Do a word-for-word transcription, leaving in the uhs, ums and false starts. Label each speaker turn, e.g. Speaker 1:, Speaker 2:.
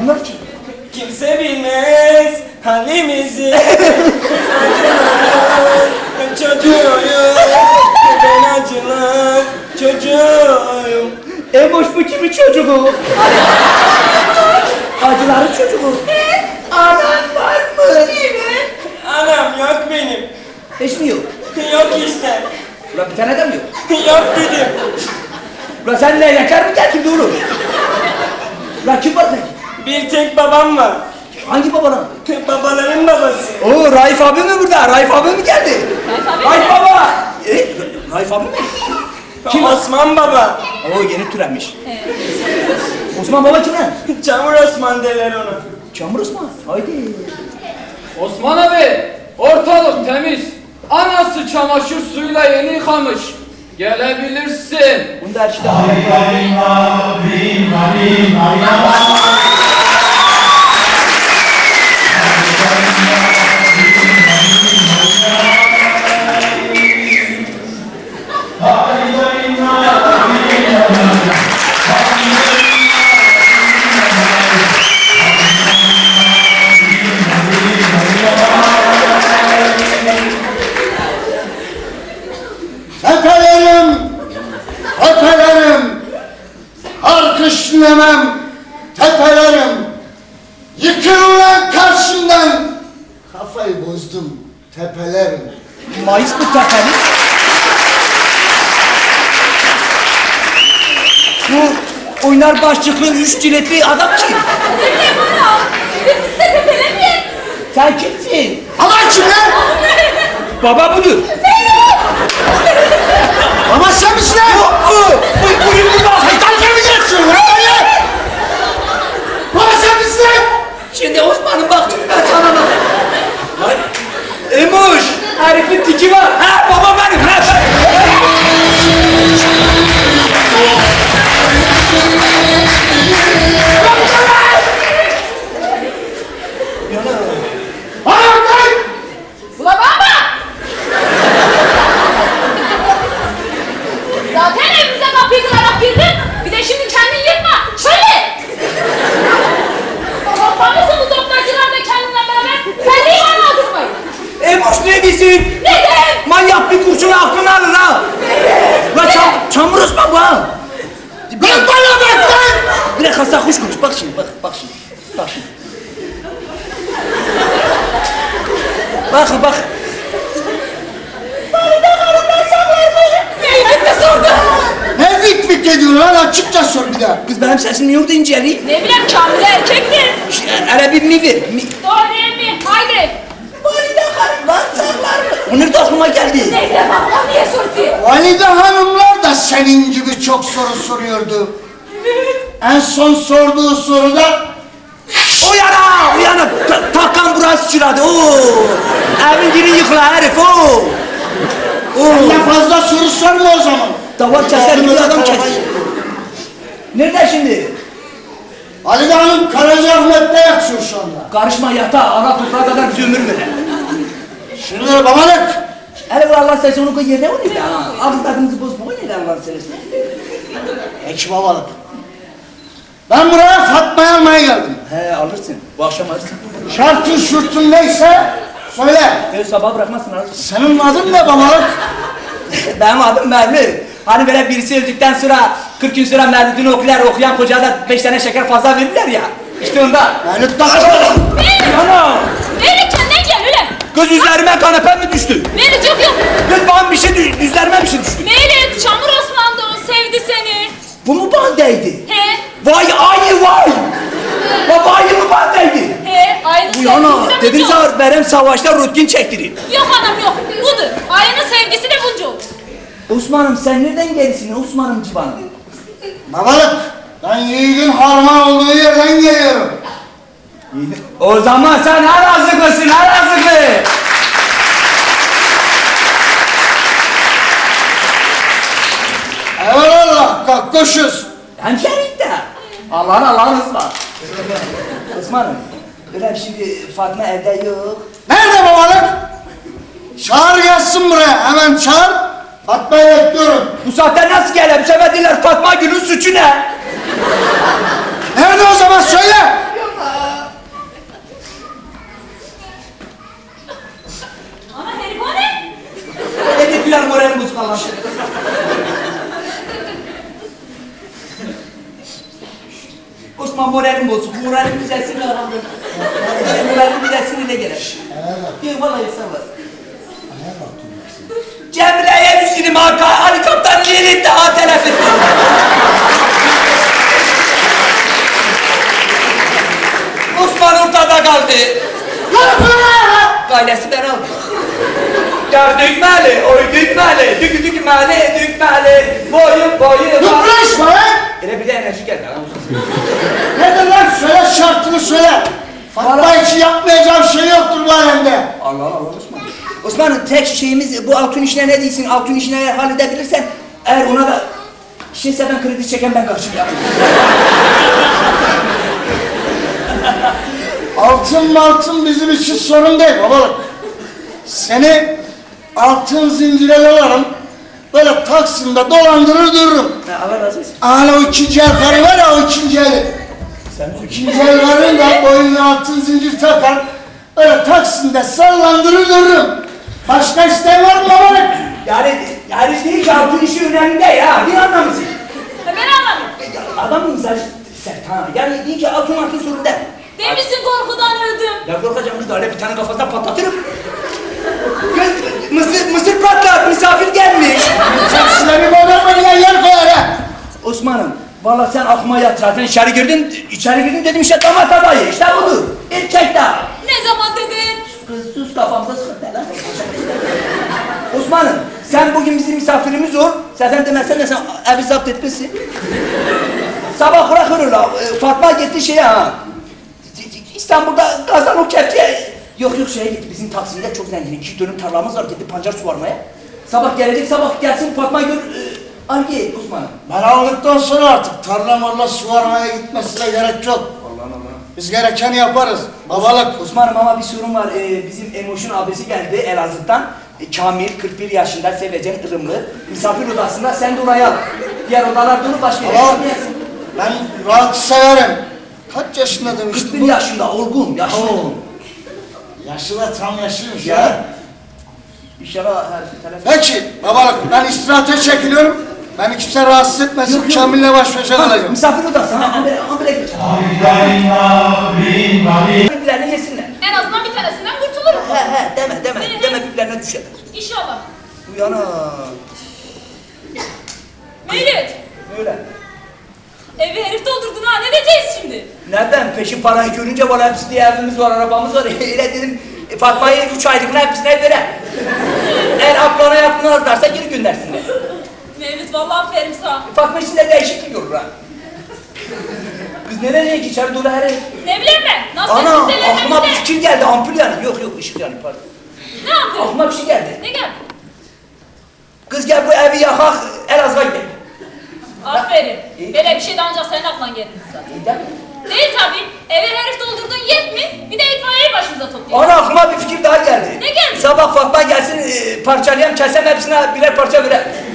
Speaker 1: bunlar kim?
Speaker 2: Kimse bilmez halimizi. Çocuğuyum, ben acılar çocuğuyum.
Speaker 1: Emoş bu kimin çocuğu? Acıların çocuğu. Anam var mı?
Speaker 3: Evet.
Speaker 2: Anam yok benim.
Speaker 1: Hiç mi yok?
Speaker 2: Yok işte.
Speaker 1: Ulan bir tane de mi yok?
Speaker 2: Yok dedim.
Speaker 1: Ulan sen leylekler mi geldin doğru? Ulan kim var peki?
Speaker 2: Bir tek babam var.
Speaker 1: Hangi babadan?
Speaker 2: Babaların babası.
Speaker 1: Oo Raif abi mi burada? Raif abi mi geldi?
Speaker 3: Raif abi
Speaker 1: Raif
Speaker 3: mi?
Speaker 1: baba! E, Raif abi mi?
Speaker 2: Kim? Osman baba.
Speaker 1: Oo yeni türemiş. Evet. Osman baba kim lan?
Speaker 2: Çamur Osman derler ona.
Speaker 1: Çamur Osman. Haydi.
Speaker 4: Osman abi, ortalık temiz. Anası çamaşır suyuyla yeni yıkamış. Gelebilirsin.
Speaker 1: Bunda her şeyde
Speaker 5: Tepelerim, tepelerim, kar-kış dinlemem, tepelerim, yıkıl lan karşımdan, kafayı bozdum, tepelerim.
Speaker 1: Mayıs mı tepeli? Bu oynar başlıklı üç ciletli adam kim?
Speaker 3: Ne bileyim ana. Biz size tepelemeyin.
Speaker 1: Sen kimsin?
Speaker 5: Aman kim lan?
Speaker 1: Baba budur.
Speaker 5: Baba sen misin lan?
Speaker 1: Yok bu. Bu buyur bu bak.
Speaker 5: Dalga mı geçiyorsun lan böyle? Baba sen misin lan?
Speaker 1: Şimdi Osman'ım bak şimdi ben sana bak. Lan Emoş. Herifin tiki var. Ha baba benim. Ha ben.
Speaker 5: Hayır lan!
Speaker 3: Ulan baba! Zaten evimize kapıyı kırarak girdin. Bir de şimdi kendin yırtma. Şöyle! Babam tanrısı bu doktorcular da kendinle beraber sen de iman aldırmayın.
Speaker 1: Emoş ne diyorsun?
Speaker 3: Ne derim?
Speaker 1: Manyak bir kurşunu aklını alır ha. Lan çam, çamur Osman bu ha.
Speaker 5: Lan bana bak lan!
Speaker 1: Bir dakika sen hoş konuş. Bak şimdi bak bak şimdi. Bak şimdi. Bak bak.
Speaker 3: Valide hanımdan saklardı. Neyi bitti sordu?
Speaker 5: Ne vik vik ediyorsun lan açıkça sor bir daha.
Speaker 1: Kız benim sesim yurdu inceli.
Speaker 3: Ne bileyim Kamil erkektir.
Speaker 1: Hele bir mi ver. Mi.
Speaker 3: Doğru değil mi? Haydi.
Speaker 1: Valide hanımdan saklardı. Onur da aklıma geldi.
Speaker 3: Ne bileyim Allah niye sordu?
Speaker 5: Valide hanımlar da senin gibi çok soru soruyordu. En son sorduğu soruda
Speaker 1: Uyana uyana. Ta takan burası çıradı. Oo. Evin giri yıkıla herif. Oo. Oo.
Speaker 5: ne fazla soru sorma o zaman.
Speaker 1: Davar keser gibi adam kes. Nerede şimdi?
Speaker 5: Valide hanım Karacaahmet'te yatıyor şu anda.
Speaker 1: Karışma yatağa. Ana toprağa kadar bizi ömür verir.
Speaker 5: Şimdi babalık.
Speaker 1: Hele bu Allah sayısı onu koy yerine o neydi? Ağız tadımızı bozma o neydi Allah sayısı?
Speaker 5: Peki babalık. Ben buraya Fatma'yı almaya geldim.
Speaker 1: He alırsın. Bu akşam alırsın.
Speaker 5: Şartın şurtun neyse söyle.
Speaker 1: He sabah bırakmazsın alırsın.
Speaker 5: Senin adın ne babalık?
Speaker 1: Benim adım Mermi. Hani böyle birisi öldükten sonra kırk gün sonra mevlidini okuyan, okuyan kocaya da beş tane şeker fazla verirler ya. İşte onda.
Speaker 5: Mevlüt takı.
Speaker 1: Ana!
Speaker 3: Mevlüt kendine gel öyle.
Speaker 1: Kız üzerime kanepe mi düştü?
Speaker 3: Mevlüt yok yok.
Speaker 1: Kız bana bir şey düştü, üzerime bir şey düştü.
Speaker 3: Mevlüt Çamur Osman da o sevdi seni.
Speaker 1: Bu mu bandaydı?
Speaker 3: He
Speaker 1: Vay ayı vay! Baba ayı mı bandaydı?
Speaker 3: he aynı
Speaker 1: Bu yana,
Speaker 3: sevgisi de
Speaker 1: dedim
Speaker 3: bunca
Speaker 1: sana
Speaker 3: olur.
Speaker 1: benim savaşta rutkin çektirin.
Speaker 3: Yok anam yok budur. Aynı sevgisi de bunca olur.
Speaker 1: Osman'ım sen nereden gelirsin Osman'ım civanım?
Speaker 5: Babalık. Ben yiğidin harman olduğu yerden geliyorum.
Speaker 1: O zaman sen Elazığlısın Elazığlı!
Speaker 5: Eyvallah kakkoşuz.
Speaker 1: Hemşerik de. Allah'ın Allah'ın ısmar. Osman'ım, öyle şimdi Fatma evde yok.
Speaker 5: Nerede babalık? Çağır gelsin buraya. Hemen çağır. Fatma'yı bekliyorum.
Speaker 1: Bu saatte nasıl gelir? Bu sefer diyorlar Fatma Gül'ün suçu ne?
Speaker 5: Nerede o zaman söyle.
Speaker 1: moralim düzelsin de aramda. Moralim düzelsin de gelir. Yok vallahi sağ ol. Cemre'ye Müslüm Hakan, Ali Kaptan Lilith daha telef etti. Osman ortada kaldı. Gailesi ben aldım. Ya dükmeli, oy dükmeli, dükü dükmeli, dükmeli, boyu boyu var.
Speaker 5: Yıpraşma lan!
Speaker 1: Ele bir de enerji geldi lan.
Speaker 5: Nedir lan? Söyle şartını söyle. Fatma için yapmayacağım şey yoktur bu alemde.
Speaker 1: Allah Allah Osman. Osman'ın tek şeyimiz bu altın işine ne değilsin, altın işine eğer halledebilirsen, eğer ona da şeyse ben kredi çeken ben karşım yapayım.
Speaker 5: Altın altın bizim için sorun değil babalık. Seni altın zincire dolarım, böyle Taksim'de dolandırır dururum.
Speaker 1: Ha, Allah razı olsun.
Speaker 5: Hala o ikinci el karı var ya, o ikinci eli.
Speaker 1: Sen
Speaker 5: İkinci el karın da boynuna altın zincir takar, öyle Taksim'de sallandırır dururum. Başka isteğin var mı babalık?
Speaker 1: yani, yani değil ki altın işi önemli değil ya, bir anlamısın.
Speaker 3: Ha, ben anladım.
Speaker 1: Adamın mizacı sert ha, yani değil ki altın altın sorun değil.
Speaker 3: Demişsin korkudan öldüm.
Speaker 1: Ya korkacağım kız da öyle bir tane kafasına patlatırım. Kız mısır, mısır patlat, misafir gelmiş.
Speaker 5: Taksine bir modern diye yer koyar ha.
Speaker 1: Osman'ım, valla sen aklıma yat zaten içeri girdin, içeri girdin dedim işte damat adayı, işte budur. Erkek daha.
Speaker 3: Ne zaman dedin?
Speaker 1: Kız sus kafamıza sıkıntı lan. Osman'ım, sen bugün bizim misafirimiz ol. Zaten demezsen de sen evi zapt etmişsin. Sabah bırakırlar, Fatma gitti şeye ha. İstanbul'da kazan o kepçe. Yok yok şeye gitti, bizim Taksim'de çok zengin. İki dönüm tarlamız var, gitti pancar suvarmaya. Sabah gelecek, sabah gelsin Fatma gör... E, Hangi Osman'ım?
Speaker 5: Ben aldıktan sonra artık tarla marla suvarmaya gitmesine gerek yok.
Speaker 1: Allah Allah.
Speaker 5: Biz gerekeni yaparız. Babalık.
Speaker 1: Osman'ım ama bir sorun var. Ee, bizim Emoş'un abisi geldi Elazığ'dan. Ee, Kamil, kırk bir yaşında, sevecen, ılımlı. Misafir odasında, sen de oraya al. Diğer odalar dolu, başka yere
Speaker 5: Tamam.
Speaker 1: gitmeyesin.
Speaker 5: Ben rahatı severim. Kaç yaşında demiştin
Speaker 1: kırk bir
Speaker 5: bu?
Speaker 1: yaşında, olgun, yaşlı.
Speaker 5: Oo. Yaşı da tam yaşlıymış ya.
Speaker 1: Ya. İnşallah her telefon...
Speaker 5: Peki babalık, ben istirahate çekiliyorum. Beni kimse rahatsız etmesin,
Speaker 1: Yok, yok.
Speaker 5: Kamil'le baş başa
Speaker 1: Tamam,
Speaker 5: kalacağım.
Speaker 1: misafir odası, ha, ambele, ambele geç. Birbirlerine yesinler.
Speaker 3: En azından bir tanesinden kurtulurum.
Speaker 1: He he, deme, deme, deme birbirlerine düşerler.
Speaker 3: İnşallah.
Speaker 1: Uyana.
Speaker 3: Mevlüt.
Speaker 1: Öyle.
Speaker 3: Evi herif doldurdun ha, ne diyeceğiz şimdi?
Speaker 1: Nereden? Peşin parayı görünce bana hepsi diye evimiz var, arabamız var. Öyle dedim, e, Fatma'yı üç aylığına hepsine vere. Eğer aklına yapmazlarsa geri göndersinler.
Speaker 3: Mevlüt vallahi aferin sana.
Speaker 1: Fatma için de değişiklik olur ha. Kız nereye ki içeri dolu her ev.
Speaker 3: Ne bileyim ben, nasıl
Speaker 1: Ana
Speaker 3: kimselerine
Speaker 1: aklıma bir
Speaker 3: bir de.
Speaker 1: fikir geldi, ampul yani. Yok yok ışık yani pardon.
Speaker 3: Ne yapıyorsun?
Speaker 1: Aklıma bir şey geldi.
Speaker 3: Ne geldi?
Speaker 1: Kız gel bu evi yakak, Elazığ'a gidelim.
Speaker 3: Aferin.
Speaker 1: İyi.
Speaker 3: Böyle bir şey de ancak senin aklına geldi zaten.
Speaker 1: İyi değil mi?
Speaker 3: Değil tabii. Eve herif doldurdun yet mi? Bir de itfaiyeyi başımıza toplayalım.
Speaker 1: Ana aklıma bir fikir daha geldi.
Speaker 3: Ne geldi?
Speaker 1: Sabah Fatma gelsin, e, parçalayayım, kesem hepsine birer parça verer.